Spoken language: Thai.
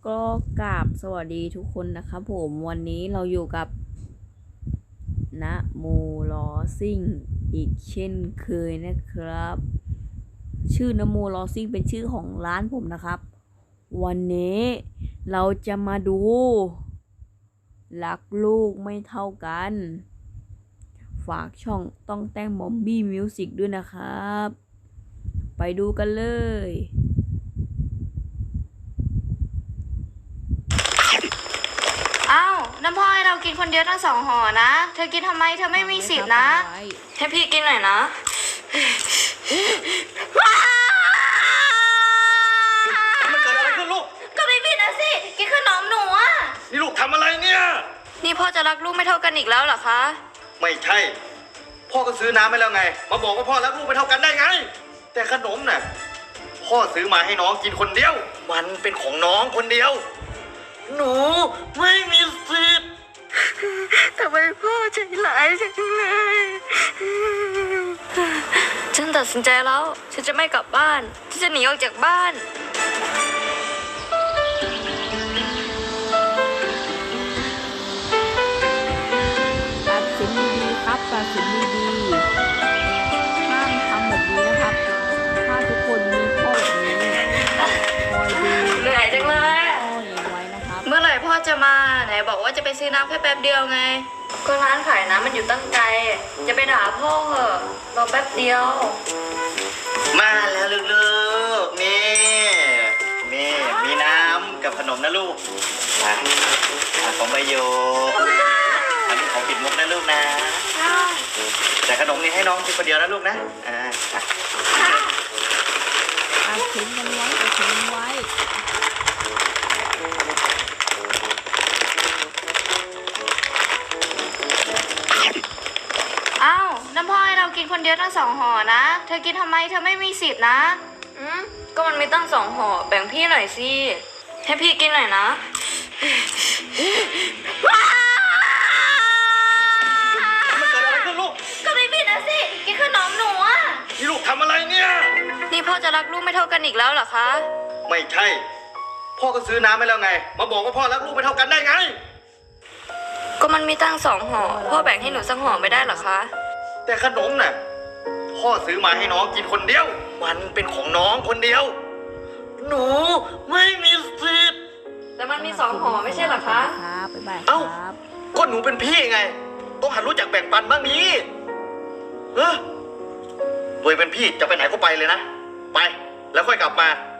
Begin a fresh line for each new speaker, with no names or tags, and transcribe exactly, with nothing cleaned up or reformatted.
ก็กราบสวัสดีทุกคนนะครับผมวันนี้เราอยู่กับนะโมลอซิ่งอีกเช่นเคยนะครับ ชื่อนะโมลอซิ่งเป็นชื่อของร้านผมนะครับ วันนี้เราจะมาดูรักลูกไม่เท่ากัน ฝากช่องต้องแต่งบอมบี้มิวสิกด้วยนะครับ ไปดูกันเลย
อ้าวน้ำพ่อให้เรากินคนเดียวทั้งสองห่อนะ เธอกินทำไมเธอไม่มีสิทธินะ ให้พี่กินหน่อยนะ
มันเกิดอะไรขึ้นลูก
ก็ไม่ผิดนะสิ กินขนมหนูอะ
นี่ลูกทำอะไรเนี่ย
นี่พ่อจะรักลูกไม่เท่ากันอีกแล้วเหรอคะ
ไม่ใช่ พ่อก็ซื้อน้ำให้แล้วไง มาบอกว่าพ่อรักลูกไม่เท่ากันได้ไง แต่ขนมน่ะ พ่อซื้อมาให้น้องกินคนเดียว มันเป็นของน้องคนเดียว หนูไม่มีสิทธิ์
ทำไมพ่อใจร้ายจังเลยฉันตัดสินใจแล้ว ฉันจะไม่กลับบ้าน ฉันจะหนีออกจากบ้าน
ตัดสินดีๆครับตัดสินดีๆห้ามทำแบบนี้นะครับ ถ้าทุกคนมีพ่อแบบนี้คอยดู
เหนื่อยจังเลย
พ่อเลี้ยงไว้นะครับ
เมื่อไหร่พ่อจะมาไหนบอกว่าจะไปซื้อน้ำแค่แป๊บเดียวไง ก็ร้านขายน้ำมันอยู่ตั้งไกล จะไปด่าพ่อเหอะรอแป๊บเดียว
มาแล้วลูกๆ นี่ นี่มีน้ำกับขนมนะลูกอ่ะอ่ะของใบโยกอันนี้ของปิดมุกนะลูกนะ แต่ขนมนี่ให้น้องกินคนเดียวนะลูกนะ อ่าอ่ะ
ตัดสินกันไว้ตัดสินกันไว้
อ้าวน้ำพ่อให้เรากินคนเดียวทั้งสองห่อนะ เธอกินทำไมเธอไม่มีสิทธินะ อืมก็มันมีตั้งสองห่อ แบ่งพี่หน่อยสิ ให้พี่กินหน่อยนะ
มันเกิดอะไรขึ้นลูก
ก็ไม่ผิดนะสิ กินขนมหนูอะ
นี่ลูกทำอะไรเนี่ย
นี่พ่อจะรักลูกไม่เท่ากันอีกแล้วเหรอคะ
ไม่ใช่ พ่อก็ซื้อน้ำให้แล้วไง มาบอกว่าพ่อรักลูกไม่เท่ากันได้ไง
ก็มันมีตั้งสองห่อ พ่อแบ่งให้หนูสักห่อไม่ได้เหรอคะ
แต่ขนมน่ะ พ่อซื้อมาให้น้องกินคนเดียว มันเป็นของน้องคนเดียว หนูไม่มีสิทธิ์
แต่มันมีสองห่อไม่ใช่เหรอคะ
ครับบ๊ายบายค
เอ้า
รับ
ก็หนูเป็นพี่ไง ต้องหัดรู้จักแบ่งปันบ้างนี้เฮ้ยตัวเป็นพี่จะไปไหนก็ไปเลยนะ ไป แล้วค่อยกลับมา